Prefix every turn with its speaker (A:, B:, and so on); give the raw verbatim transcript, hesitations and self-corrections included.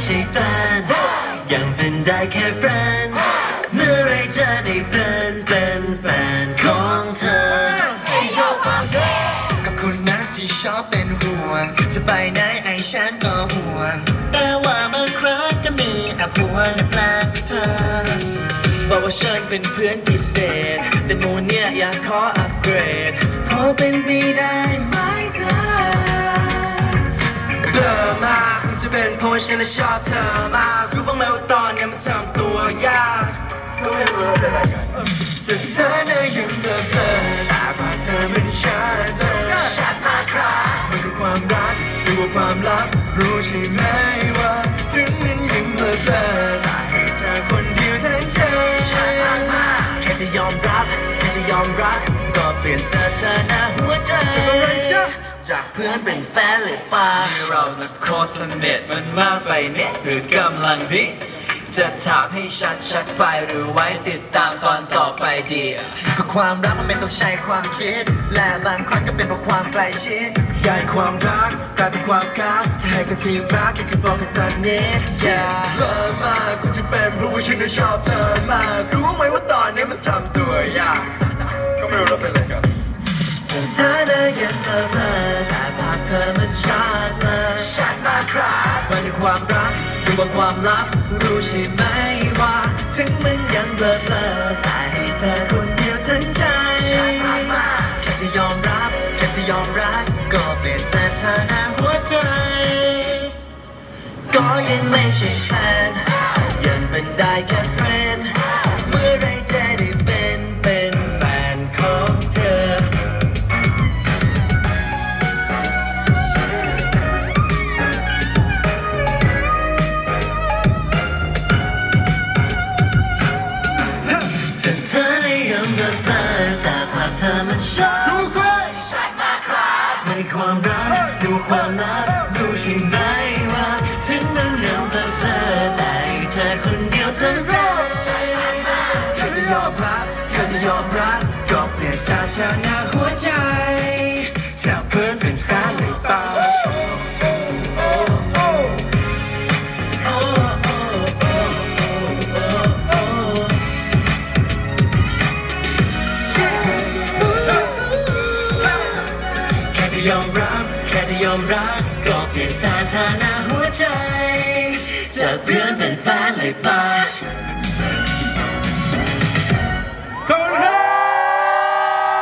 A: ใช่แฟนยังเป็นได้แค่แฟนเมื่อไรจะได้เป็นเป็นแฟนของเธอ
B: กับคุณนะที่ชอบเป็นห่วงจะไปไหนไอ้ฉันก็ห่วง
A: แต่ว่าบางครั้งก็มีแอบห่วงและแปลกเธอ
B: บอกว่าฉันเป็นเพื่อนพิเศษแต่โมเนี่ยอยากขออัปเกรดขอเป็นไปได้ไหมเธอเบื่อมากคงจะเป็นเพราะว่าฉันน่ะชอบเธอมากรู้บ้างไหมว่าตอนนี้มันทำตัวยากก็ไม่รู้ว่าเป็นอะไรกันสุดท้ายน่ะยังเบลอเบลอแต่ภาพเธอมันชัดเลยชัดมากครับมันคือความรักหรือว่าความลับรู้ใช่ไหมว่าถึงมันยังเบลอเบลอแต่ให้เธอคนเดียวทั้งใจชัดมากมากแค่จะยอมรับแค่จะยอมรักก็เปลี่ยนสถานะหัวใจจากเพื่อนเป็นแฟนเลยป่ะ
C: เราน่ะโคตรสนิทมันมากไปเนี่ยหรือกำลังดิจะถามให้ชัดๆไปหรือไว้ติดตามตอนต่อไปดี
B: ก็ความรักมันไม่ต้องใช้ความคิดและบางครั้งก็เป็นเพราะความใกล้ชิดใหญ่ความรักกลายเป็นความกักจะให้กันที่รักแค่คือบอกกันสักนิดอย่าเลิกมากคงจะเป็นเพราะว่าฉันน่ะชอบเธอมากรู้ไหมว่าตอนนี้มันทำตัวยากก็ไม่รู้ว่าเป็นอะไรกัน
A: สุดท้ายได้ยังเบลอเบลอแต่ภาพเธอมันชัดเลย
B: ชัดมากครับ
A: มันคือความรักหรือว่าความลับรู้ใช่ไหมว่าถึงมันยังเบลอเบลอแต่ให้เธอคนเดียวทั้งใจ
B: ชัดมากมาก
A: แค่จะยอมรับแค่จะยอมรักก็เปลี่ยนสถานะหัวใจก็ยังไม่ใช่แฟนยังเป็นได้แค่เพื่อนเมื่อไรจะได้เป็นเป็นแฟนของเธอสุดท้ายได้ยังเบลอเบลอแต่ภาพเธอมันชัด
B: ชัดมากครับ
A: มันคือความรักดูความลับรู้ใช่ไหมว่าถึงมันยังเบลอเบลอแต่เธอคนเดียวทั้งใจ
B: แค่จะยอมรับแค่จะยอมรับก็เปลี่ยนสถานะหัวใจจากเพื่อนเป็นแฟนเลยป่ะ
A: ยอมรับแค่จะยอมรับก็เปลี่ยนสถานะหัวใจจากเพื่อนเป็นแฟนเลยป่ะ